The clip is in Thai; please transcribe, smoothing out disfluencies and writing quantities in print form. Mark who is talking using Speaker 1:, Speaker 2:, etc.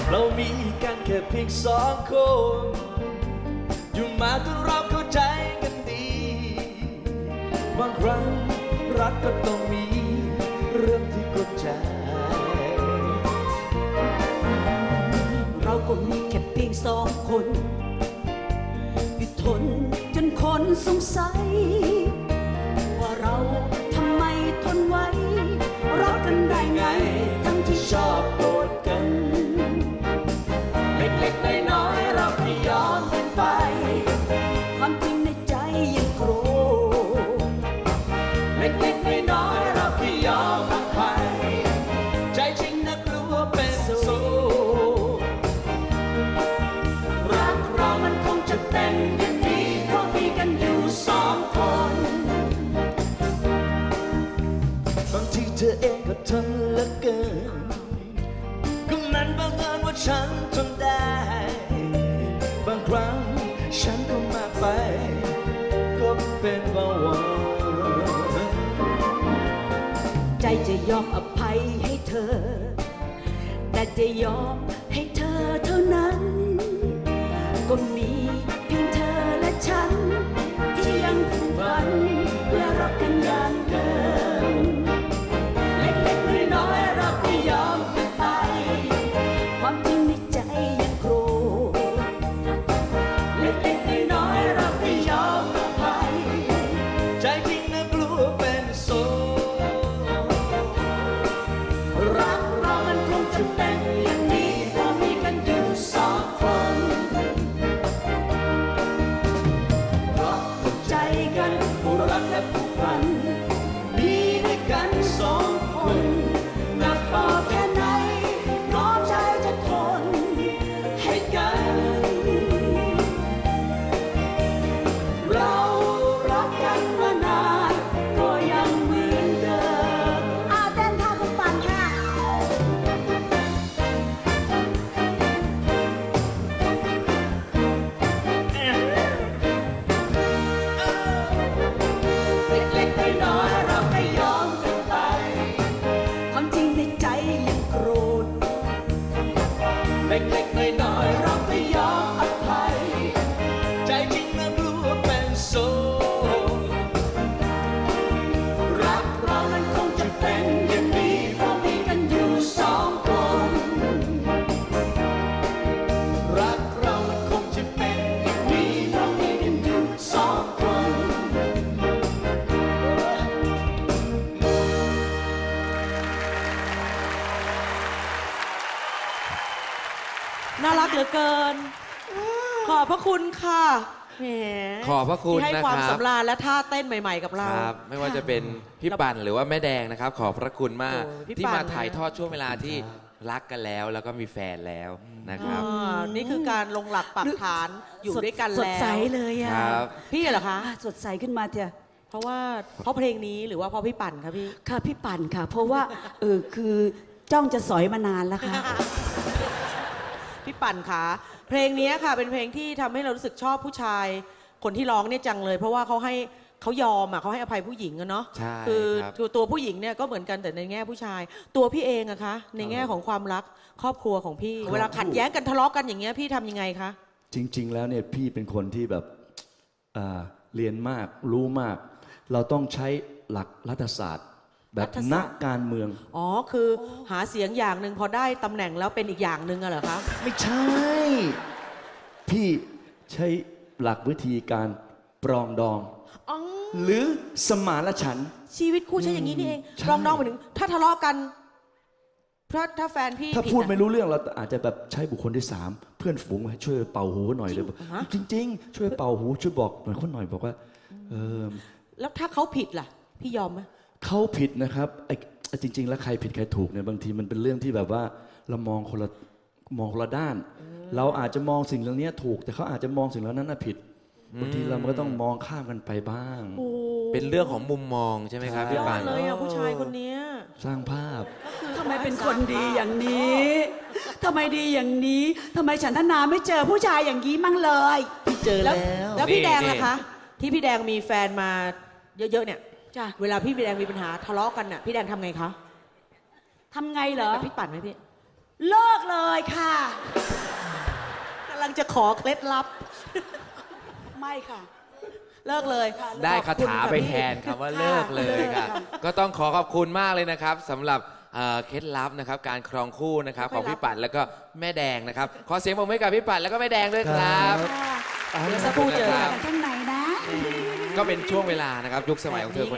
Speaker 1: เรามีกันแค่เพียงสองคน อยู่มาจนเราเข้าใจกันดีบางครั้งรักก็ต้องมีเรื่องที่กดใจ
Speaker 2: เราก็มีแค่เพียงสองคนอยู่ทนจนคนสงสัยว่าเราทำไมทนไว้รักกันได้ไงทั้งที่ชอบโกรธกันเล็กๆน้อยๆเราไม่ยอมกันไปความจริงในใจยังโกรธเล็กๆน้อยๆเราไม่ยอมอภัย
Speaker 1: ใจจริงนะกลัวเป็นโซ
Speaker 2: รักเรามันคงจะเป็นอย่างนี้เพราะมีกันอยู่สองคน
Speaker 1: บางทีเธอเองก็ทนเหลือเกินก็มันบังเอิญว่าฉันทนได้บางครั้งฉันก็มากไปก็เป็นเบาหวาน
Speaker 2: ใจจะยอมอภัยให้เธอแต่จะยอมให้เธอเท่านั้นก็มีเพียงเธอและฉันที่ยังผูกพันและรักกันอย่างเดิมเล็กๆน้อยๆเราก็ยอมกันไปความจริงในใจยังโกรธเล็กๆน้อยๆเราก็ยอมอภัย
Speaker 1: ใจจริงนะกลัวเป็นโซ
Speaker 2: รักเรามันคงจะเป็นอย่างนี้เพราะมีกันอยู่สองคนเพราะเข้าใจกันผู้รักและผู้พันมีด้วยกันสองคนหนักพอแค่ไหนพร้อมใจจะทนให้กันเรารักกันมานานก็ยังเหมือนเดิมเต้นท่าคุณปั่นค่ะเล็กๆน้อยๆเราไม่ยอมกันไปความจริงในใจยังโกรธ
Speaker 1: เล็กๆน้อยๆเราไม่ยอมอภัยใจจริงนะกลัวเป็นโซ
Speaker 2: รักเรามันคงจะเป็นอย่างนี้เพราะมีกันอยู่สองคน
Speaker 1: รักเรามันคงจะเป็นอย่างนี้เพราะมีกันอยู่สองคน
Speaker 3: น่ารักเหลือเกิน ขอบพระคุณค่ะแหม
Speaker 4: ขอบพระคุณ
Speaker 3: ที่ให้
Speaker 4: นะครับ
Speaker 3: ความสำราญและท่าเต้นใหม่ๆกับเรา
Speaker 4: ครับไม่ว่าจะเป็นพี่ปั่นหรือว่าแม่แดงนะครับ ขอบพระคุณมาก
Speaker 3: โอ้พี่
Speaker 4: ที่
Speaker 3: ปั่น
Speaker 4: มาถ่ายทอดช่วงเวลาที่รักกันแล้วแล้วก็มีแฟนแล้วนะครับ
Speaker 3: นี่คือการลงหลักปักฐานอยู่ด้วยกัน
Speaker 2: สด
Speaker 3: แล้ว
Speaker 2: ใสเลยอะ
Speaker 4: ครับ
Speaker 3: พี่เหรอคะ
Speaker 2: สดใสขึ้นมาเถอะ
Speaker 3: เพราะเพลงนี้หรือว่าเพราะพี่ปั่นคะพี่
Speaker 2: ค่ะพี่ปั่นค่ะ เพราะว่าคือจ้องจะสอยมานานแล้วค่ะ
Speaker 3: พี่ปั่นคะเพลงนี้ค่ะเป็นเพลงที่ทำให้เรารู้สึกชอบผู้ชายคนที่ร้องเนี่ยจังเลย เพราะว่าเขายอมเขาให้อภัยผู้หญิงอะเนาะ
Speaker 4: ใช่
Speaker 3: คือ
Speaker 4: ครับ
Speaker 3: ตัวผู้หญิงเนี่ยก็เหมือนกันแต่ในแง่ผู้ชาย ตัวพี่เองอะคะในแง่ของความรักครอบครัวของพี่ เวลาขัดแย้งกันทะเลาะกันอย่างเงี้ยพี่ทำยังไงคะ
Speaker 1: จริงๆแล้วเนี่ยพี่เป็นคนที่แบบเรียนมากรู้มาก เราต้องใช้หลักรัฐศาสตร์ แบบนักการเมือง
Speaker 3: อ๋อคือหาเสียงอย่างหนึ่งพอได้ตำแหน่งแล้วเป็นอีกอย่างหนึ่งอะเหรอคะ
Speaker 1: ไม่ใช่ พี่ใช้หลักวิธีการปรองดอง
Speaker 3: อ๋อ
Speaker 1: หรือสมานฉันท์
Speaker 3: ชีวิตคู่ใช่อย่างนี้นี่เอง
Speaker 1: ใช่
Speaker 3: ลองไปถึงถ้าทะเลาะกันถ้าแฟนพี่
Speaker 1: ถ้า
Speaker 3: ผิด
Speaker 1: พูด
Speaker 3: อะ
Speaker 1: ไม่รู้เรื่องเราอาจจะแบบใช้บุคคลที่สามเพื่อนฝูงมาช่วยเป่าหูหน่อยเลย
Speaker 3: ฮะ
Speaker 1: จริง ๆ ช่วยเป่าหูช่วยบอกหน่อยคนหน่อยบอกว่าอ
Speaker 3: แล้วถ้าเขาผิดล่ะ พี่ยอมไหม
Speaker 1: เขาผิดนะครับจริง ๆ แล้วใครผิดใครถูกเนี่ยบางทีมันเป็นเรื่องที่แบบว่าเรามองคนละด้าน เราอาจจะมองสิ่งเหล่านี้ถูก แต่เขาอาจจะมองสิ่งเหล่านั้นน่ะผิดบางทีเราก็ต้องมองข้ามกันไปบ้าง
Speaker 4: เป็นเรื่องของมุมมองใช่ไหมครับ
Speaker 3: ย
Speaker 4: พี่
Speaker 3: อ
Speaker 4: ปั่
Speaker 3: ด
Speaker 4: น
Speaker 3: เลยอ่ะผู้ชายคนเนี้ย
Speaker 1: สร้างภาพ
Speaker 2: ทำไมเป็นคนดีอย่างนี้ ทำไมดีอย่างนี้ ทำไมฉันทนาไม่เจอผู้ชายอย่างนี้มั่งเลย
Speaker 1: เจอแล้ว
Speaker 3: แล้วพี่
Speaker 4: นี่
Speaker 3: แดง
Speaker 4: นี่
Speaker 3: ล่ะคะ ที่พี่แดงมีแฟนมาเยอะๆเนี่ย
Speaker 2: จ้ะ
Speaker 3: เวลาพี่แดงมีปัญหาทะเลาะกันน่ะพี่แดงทำไงคะ
Speaker 2: ทำไงเหรอ
Speaker 3: แบบพี่ปั่นไหมพี่
Speaker 2: เลิกเลยค่ะ
Speaker 3: กำลังจะขอเคล็ดลับ
Speaker 2: ไม่ค่ะ
Speaker 3: เลิกเลย
Speaker 4: ได้คาถาไป
Speaker 3: ขอบคุณค่ะพี่
Speaker 4: แทนคำว่าเลิกเลยค่ะ ก็ต้องขอขอบคุณมากเลยนะครับสำหรับเคล็ดลับนะครับการครองคู่นะครับของพี่ปัดแล้วก็แม่แดงนะครับขอเสียงปรบมือให้กับพี่ปัดแล้วก็แม่แดงด้วยครับ
Speaker 3: เดี๋ยวสักครู่เจอกัน
Speaker 2: ข้างในนะ
Speaker 4: ก็เป็นช่วงเวลานะครับยุคสมัยของเธอคน